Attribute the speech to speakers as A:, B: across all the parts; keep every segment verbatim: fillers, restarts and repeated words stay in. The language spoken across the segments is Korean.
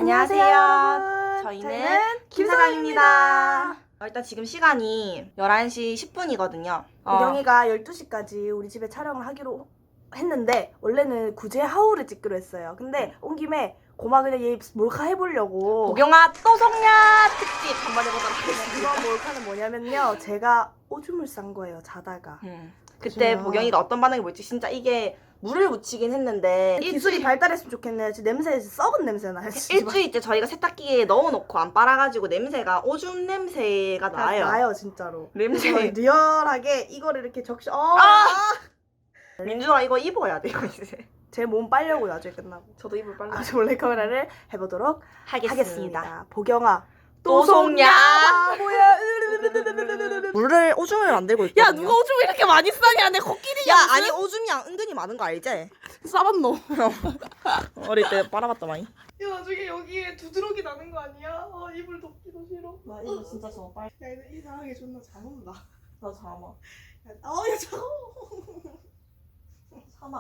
A: 안녕하세요.
B: 안녕하세요.
A: 저희는,
B: 저희는
A: 김사장입니다. 어, 일단 지금 시간이 열한 시 십 분이거든요. 어.
B: 우경이가 열두 시까지 우리 집에 촬영을 하기로 했는데 원래는 구제 하우를 찍기로 했어요. 근데 온 김에 고마 그냥 얘 몰카 해보려고.
A: 보경아 또 속냐 특집 한번 해보도록 하겠습니다.
B: 이번 몰카는 뭐냐면요, 제가 오줌을 싼 거예요, 자다가.
A: 음. 그때
B: 그래요.
A: 보경이가 어떤 반응이 볼지 진짜 이게 물을 묻히긴 했는데
B: 기술이 발달했으면 좋겠네요. 지금 냄새, 썩은 냄새 나요. 진짜.
A: 일주일째 저희가 세탁기에 넣어놓고 안 빨아가지고 냄새가 오줌 냄새가
B: 다
A: 나요.
B: 나요, 진짜로.
A: 냄새.
B: 그래서 리얼하게 이거를 이렇게 적셔. 어!
A: 아! 민준아 이거 입어야 돼요 이제.
B: 제 몸 빨려고 나중에 끝나고.
A: 저도 입을 빨라.
B: 아주 몰래 카메라를 해보도록
A: 하겠습니다.
B: 하겠습니다. 보경아.
A: 또 속냐?
B: 뭐야?
A: 물을 오줌을 만들고 있거든요.
B: 야, 누가 오줌 이렇게 많이 싸냐? 내 코끼리.
A: 야 아니 오줌이 은근히 많은 거 알지?
B: 싸봤노.
A: 어릴 때 빨아봤다 많이.
B: 야, 나중에 여기에 두드러기 나는 거 아니야? 어, 이불 덮기도 싫어.
A: 나 이거 진짜 저 빨.
B: 야, 근데 이상하게 존나 잘 온다.
A: 나 잠아.
B: 야, 어, 야, 차가워.
A: 참아.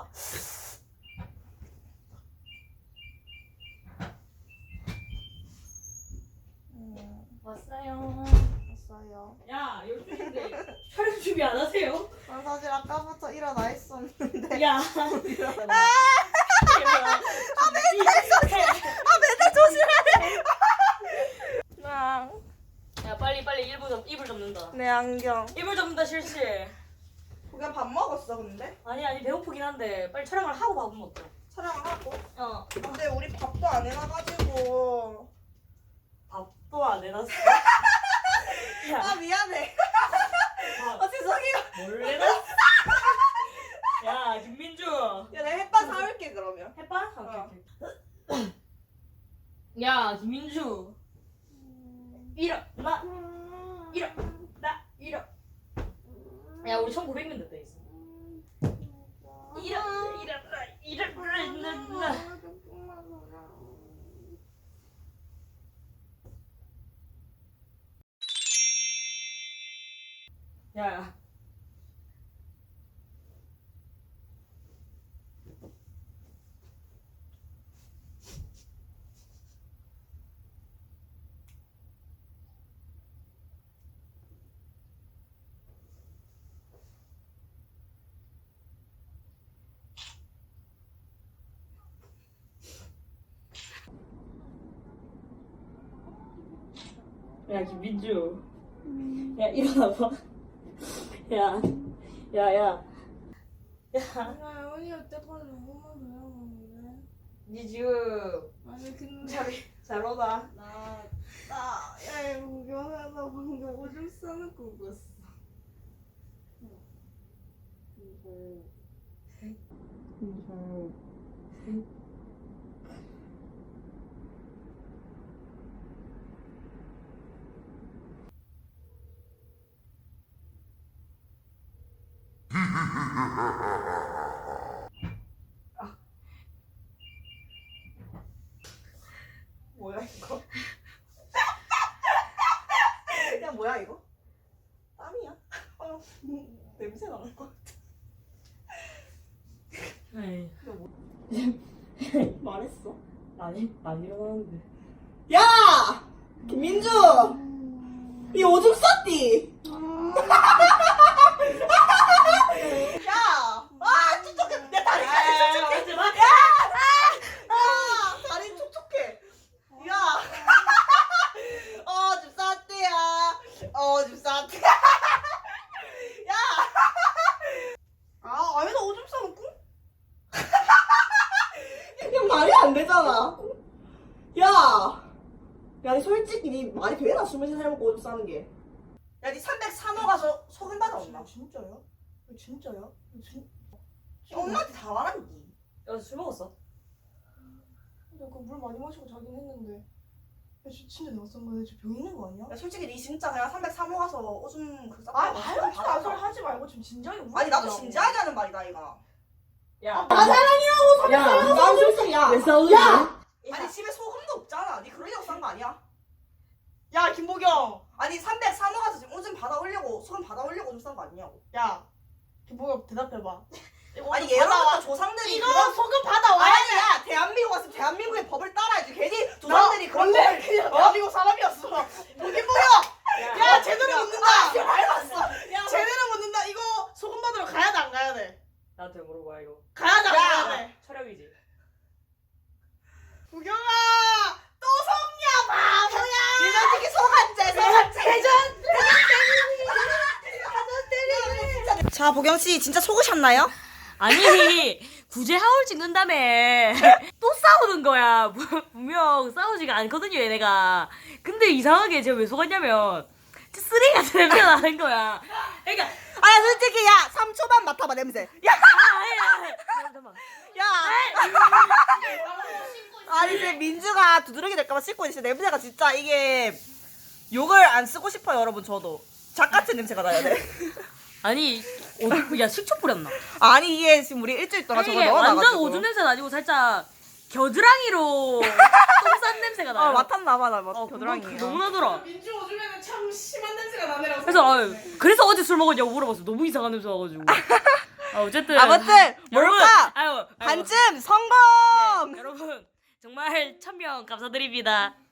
C: 왔어요.
B: 왔어요.
C: 야, 열두 시인데 촬영 준비 안 하세요?
B: 난 사실 아까부터 일어나 있었는데.
C: 야.
B: 일어나.
C: 아,
A: 맨날 조심해. 나.
C: 야, 빨리 빨리 이불 접 이불 접는다.
A: 내 안경.
C: 이불 접는다 실시.
A: 그냥 밥 먹었어 근데?
C: 아니 아니 배고프긴 한데 빨리 촬영을 하고 밥은 먹자.
A: 촬영을 하고.
C: 어.
A: 근데 우리 밥도 안 해놔가지고.
C: 밥도 안 해놨어. 야,
A: 아 미안해.
C: 밥
A: 아 죄송해요.
C: 뭘 해놨어? 야, 김민주.
A: 야 내가 햇반 사올게 그러면.
C: 햇반?
A: 어.
C: 오케이, 오케이. 야, 김민주. 일어나. 일어나. 일어. 야, 우리 천구백 명 됐다 있어. 일어나. 일어나. 일어나. 야. 야, 김민주. 야, 일어나봐. 야, 야, 야. 야,
B: 야, 언니 여태까지 너무만 배워먹는데.
C: 니 지금
B: 아니, 근데.
C: 잘, 잘 오다.
B: 나, 나, 야, 이거 구경하다 방금 오줌 싸는 거 꿨어.
A: 뭐야 이거? 야 뭐야 이거? 땀이야? 어, 냄새 나는 거 같아.
C: 에이.
A: 말했어?
C: 아니, 안 일어나는데.
A: 야! 김민주! 이 오줌 쌌디? 야! 아 촉촉해! 내 다리 다리 촉촉해!
C: 하지 마.
A: 아! 다리 촉촉해! 야! 오줌 쌌대야! 오줌 쌌대야! 야! 아 아니 나 오줌 싸면 꿍? 그냥 말이 안 되잖아. 야! 야, 니 솔직히 니 말이 되나? 스물세 살 먹고 오줌 싸는 게. 야, 니 삼백삼 호 가서 소금 받아온다.
B: 진짜요? 진짜요? 진...
A: 엄마한테 다 말한디.
C: 야, 술 먹었어?
B: 근데 그물 많이 마시고 자긴 했는데. 야, 진- 진짜 내가 싼 거야? 저 병 있는 거 아니야?
A: 야, 솔직히 니 진짜 그냥 삼백삼 호 가서 오줌 그 싸고.
B: 아, 말도 안 소리 하지 말고 좀 진지하게 물어보자고.
A: 아니, 나도 진지하게 하는 말이다, 이거.
C: 야.
A: 나 사랑이라고
C: 야,
A: 삼백삼 호 오줌 싸.
C: 왜 싸우지?
A: 야! 아니, 집에 소금도 없잖아. 니 그러려고 싼 거 아니야?
B: 야, 김보경!
A: 아니, 삼백삼 호 가서 지금 오줌 받아오려고, 소금 받아오려고 오줌 싼 거 아니냐고.
B: 야, 김보경 대답해봐. 이거
A: 아니,
B: 오줌
A: 예로부터
B: 받아와-
A: 조상들이.
B: 이거
A: 그런-
B: 소금 받아와야 돼!
A: 아니야, 대한민국 왔으면 대한민국의 법을 따라야지. 괜히 조상들이 원래 그냥 대한민국 사람이었어. 보긴 보여. 야 제대로 묻는다. 밟았어. 제대로 묻는다. 이거 소금 받으러 가야 돼 안 가야 돼?
C: 나한테 물어봐 이거.
A: 가야 돼 안 가야 돼?
C: 촬영이지.
A: 구경아 또 속냐 바보야. 이 솔직히 속한제 속한제 대전. 자 보경 씨 진짜 속으셨나요?
C: 아니 구제 하울 찍는 다음에 또 싸우는 거야. 분명 싸우지가 않거든요 얘네가. 근데 이상하게 제가 왜 속았냐면 쓰레기 같은 냄새가 나는 거야. 그러니까
A: 아 솔직히 야 삼 초만 맡아봐 냄새. 야.
C: 아야 잠깐만.
A: 야. 아니 이제 민주가 두드러기 될까봐 씻고 있는데 냄새가 진짜 이게 욕을 안 쓰고 싶어요 여러분. 저도 작 같은 냄새가 나야 돼.
C: 아니 어디 야 식초 뿌렸나?
A: 아니 이게 지금 우리 일주일 동안
C: 아니,
A: 저거
C: 이게
A: 넣어놔가지고
C: 완전 오줌 냄새는 아니고 살짝 겨드랑이로 똥 싼 냄새가 나요.
A: 어 맡았나봐 나
C: 어,
A: 겨드랑이.
C: 그거 너무 나더라.
A: 민주 오줌에는 참 심한 냄새가 나네라고.
C: 그래서 아유, 그래서 어제 술 먹었냐고 물어봤어. 너무 이상한 냄새 나가지고. 아, 어쨌든
A: 아무튼
C: 여러분,
A: 뭘까?
C: 아유, 아유,
A: 반쯤 성공.
C: 네, 여러분 정말 천명 감사드립니다.